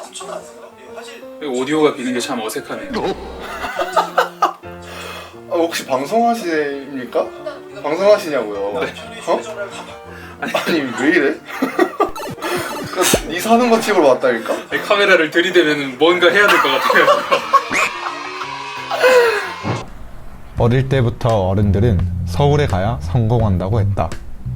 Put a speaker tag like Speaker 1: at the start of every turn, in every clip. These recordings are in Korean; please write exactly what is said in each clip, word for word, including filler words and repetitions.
Speaker 1: 오디오가 비는 게 참 어색하네요.
Speaker 2: 아, 혹시 방송하십니까? 방송하시냐고요?
Speaker 1: 네.
Speaker 2: 어? 아니 왜 이래? 네 사는 거 찍으러 왔다니까?
Speaker 1: 카메라를 들이대면 뭔가 해야 될 것 같아요.
Speaker 3: 어릴 때부터 어른들은 서울에 가야 성공한다고 했다.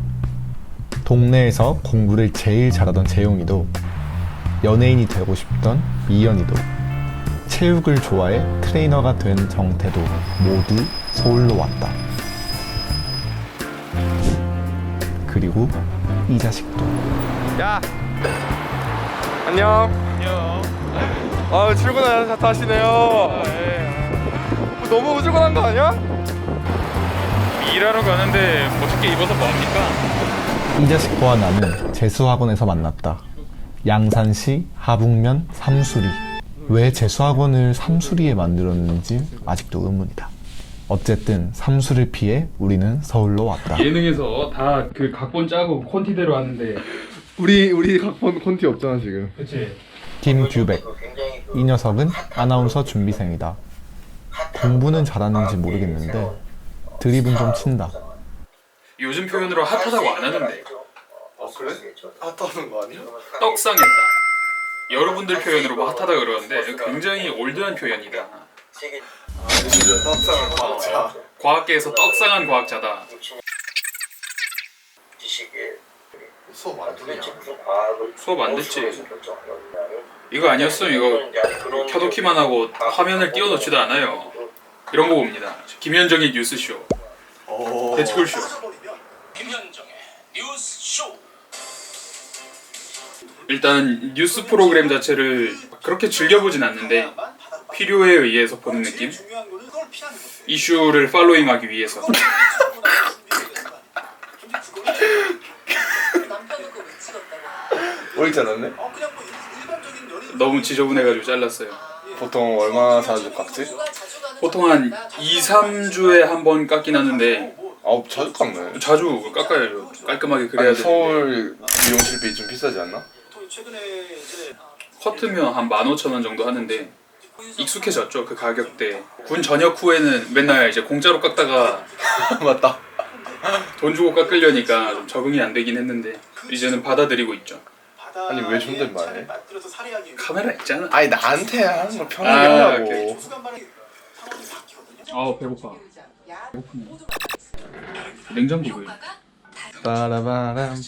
Speaker 3: 동네에서 공부를 제일 잘하던 재용이도, 연예인이 되고 싶던 이연이도, 체육을 좋아해 트레이너가 된 정태도 모두 서울로 왔다. 그리고 이 자식도.
Speaker 2: 야! 안녕.
Speaker 1: 안녕.
Speaker 2: 아 출근하셔서 타시네요. 너무 우주근한 거 아니야?
Speaker 1: 일하러 가는데 멋있게 입어서 뭐합니까?
Speaker 3: 이 자식과 나는 재수학원에서 만났다. 양산시 하북면 삼수리. 왜 재수학원을 삼수리에 만들었는지 아직도 의문이다. 어쨌든 삼수를 피해 우리는 서울로 왔다.
Speaker 1: 예능에서 다 그 각본 짜고 콘티대로 하는데.
Speaker 2: 우리 우리 각본 콘티 없잖아 지금.
Speaker 1: 그치?
Speaker 3: 김규백. 이 녀석은 아나운서 준비생이다. 공부는 잘하는지 모르겠는데 드립은 좀 친다.
Speaker 1: 요즘 표현으로 핫하다고 안 하는데.
Speaker 2: 어 그래? 핫하는 거 아니야?
Speaker 1: 떡상했다. 여러분들 표현으로 뭐 핫하다 그러는데 굉장히 올드한 표현이다.
Speaker 2: 아 요즘 떡상을 과학자.
Speaker 1: 과학계에서 떡상한 과학자다.
Speaker 2: 수업 안 듣냐?
Speaker 1: 수업 안 듣지? 이거 아니었으면 이거 켜놓기만 하고 화면을 띄워놓지도 않아요. 이런 거 봅니다. 김현정의 뉴스쇼,
Speaker 2: 오.
Speaker 1: 대치골쇼.
Speaker 4: 김현정의 뉴스쇼.
Speaker 1: 일단 뉴스 프로그램 자체를 그렇게 즐겨보진 않는데 필요에 의해서 보는 느낌? 이슈를 팔로잉하기 위해서.
Speaker 2: 오일지 않았네?
Speaker 1: 너무 지저분해가지고 잘랐어요.
Speaker 2: 보통 얼마나 자주 깎지?
Speaker 1: 보통 한 이, 삼 주에 한 번 깎긴 하는데
Speaker 2: 아우 자주 깎네.
Speaker 1: 자주 깎아야죠. 깔끔하게 그래야
Speaker 2: 아니
Speaker 1: 되는데
Speaker 2: 서울 미용실비 좀 비싸지 않나?
Speaker 1: 커트면 한 만 오천 원 정도 하는데 익숙해졌죠 그 가격대. 군 전역 후에는 맨날 이제 공짜로 깎다가
Speaker 2: 맞다.
Speaker 1: 돈 주고 깎으려니까 좀 적응이 안 되긴 했는데 이제는 받아들이고 있죠.
Speaker 2: 아니 왜 존댓말해?
Speaker 1: 카메라 있잖아.
Speaker 2: 아니 나한테 하는 거 편하게
Speaker 1: 아,
Speaker 2: 하라고.
Speaker 1: 오케이. 아 배고파. 배고프네. 냉장고 왜?
Speaker 2: 빠라바람빰.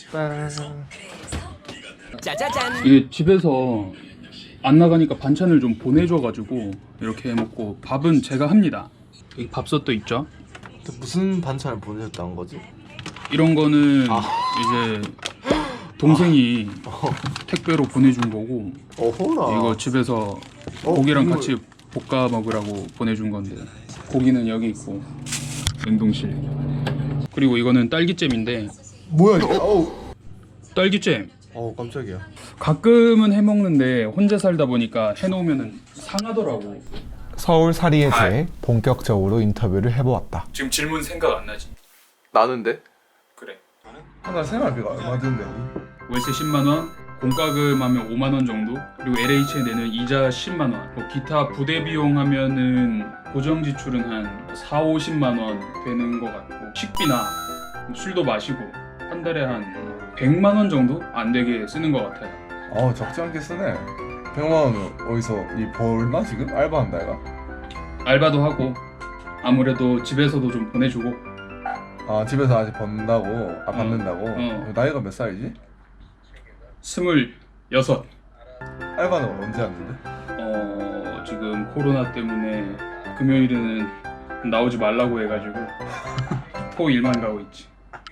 Speaker 4: 짜자잔.
Speaker 1: 이게 집에서 안 나가니까 반찬을 좀 보내줘가지고 이렇게 해먹고 밥은 제가 합니다. 여기 밥솥도 있죠.
Speaker 3: 무슨 반찬을 보내줬다는 거지?
Speaker 1: 이런 거는
Speaker 3: 아.
Speaker 1: 이제 동생이 택배로 보내준 거고
Speaker 3: 어허라.
Speaker 1: 이거 집에서
Speaker 3: 어,
Speaker 1: 고기랑
Speaker 3: 이거-
Speaker 1: 같이 볶아 먹으라고 보내준 건데 고기는 여기 있고 냉동실. 그리고 이거는 딸기잼인데
Speaker 2: 뭐야 이게? 어우.
Speaker 1: 딸기잼
Speaker 2: 어우 깜짝이야.
Speaker 1: 가끔은 해먹는데 혼자 살다 보니까 해놓으면 상하더라고.
Speaker 3: 서울살이에 대해 본격적으로 인터뷰를 해보았다.
Speaker 1: 지금 질문 생각 안 나지?
Speaker 2: 나는데?
Speaker 1: 그래.
Speaker 2: 하나 생활비가 얼마 드는데?
Speaker 1: 월세 십만 원, 공과금 하면 오만 원 정도, 그리고 엘에이치에 내는 이자 십만 원, 뭐 기타 부대 비용 하면은 고정 지출은 한 사, 오십만 원 되는 것 같고 식비나 술도 마시고 한 달에 한 백만 원 정도 안 되게 쓰는 것 같아요.
Speaker 2: 어 적지 않게 쓰네. 백만 원 어디서 이 벌나 지금? 알바한다 이가?
Speaker 1: 알바도 하고 아무래도 집에서도 좀 보내주고.
Speaker 2: 아 집에서 아직 번다고? 아 받는다고?
Speaker 1: 어.
Speaker 2: 나이가 몇 살이지?
Speaker 1: 스물여섯.
Speaker 2: 알바는 언제 왔는데?
Speaker 1: 어 지금 코로나 때문에 금요일에는 나오지 말라고 해가지고 토 일만 가고 있지.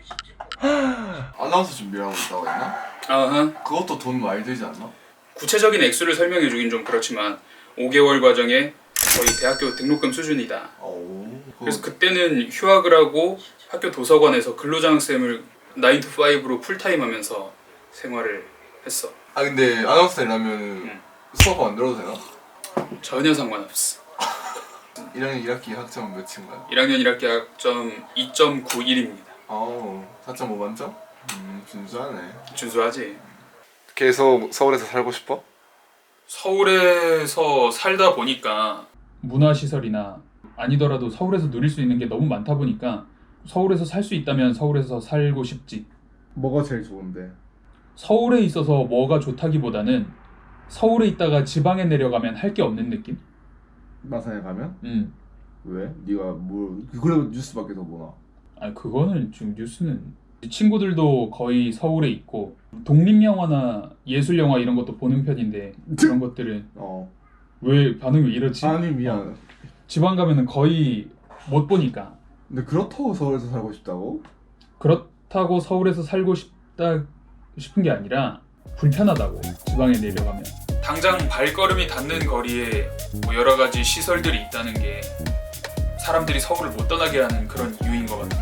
Speaker 2: 아나운서 준비하고 있다고 했나?
Speaker 1: 아하.
Speaker 2: 그것도 돈 많이 들지 않나?
Speaker 1: 구체적인 액수를 설명해 주긴 좀 그렇지만 오 개월 과정에 거의 대학교 등록금 수준이다.
Speaker 2: 오.
Speaker 1: 그래서 그때는 휴학을 하고 학교 도서관에서 근로장학생을 나인 to 파이브로 풀타임 하면서 생활을 했어.
Speaker 2: 아 근데 아나운서 되려면
Speaker 1: 응.
Speaker 2: 수업 안 들어도 되나?
Speaker 1: 전혀 상관없어.
Speaker 2: 일 학년 일 학기 학점은 몇인가요?
Speaker 1: 일 학년 일 학기 학점 이 점 구일입니다.
Speaker 2: 아우 사 점 오 만점? 음 준수하네.
Speaker 1: 준수하지.
Speaker 2: 계속 서울에서 살고 싶어?
Speaker 1: 서울에서 살다 보니까 문화시설이나 아니더라도 서울에서 누릴 수 있는 게 너무 많다 보니까 서울에서 살 수 있다면 서울에서 살고 싶지.
Speaker 2: 뭐가 제일 좋은데?
Speaker 1: 서울에 있어서 뭐가 좋다기보다는 서울에 있다가 지방에 내려가면 할 게 없는 느낌?
Speaker 2: 마산에 가면?
Speaker 1: 음.
Speaker 2: 왜? 네가 뭘 그래도 뉴스 밖에서 보나?
Speaker 1: 아 그거는 지금 뉴스는 친구들도 거의 서울에 있고 독립영화나 예술영화 이런 것도 보는 편인데 그런 것들은
Speaker 2: 어.
Speaker 1: 왜 반응이 왜 이러지?
Speaker 2: 아니 미안.
Speaker 1: 지방 가면은 거의 못 보니까.
Speaker 2: 근데 그렇다고 서울에서 살고 싶다고?
Speaker 1: 그렇다고 서울에서 살고 싶다 싶은 게 아니라 불편하다고 지방에 내려가면. 당장 발걸음이 닿는 거리에 뭐 여러 가지 시설들이 있다는 게 사람들이 서울을 못 떠나게 하는 그런 이유인 것 같아.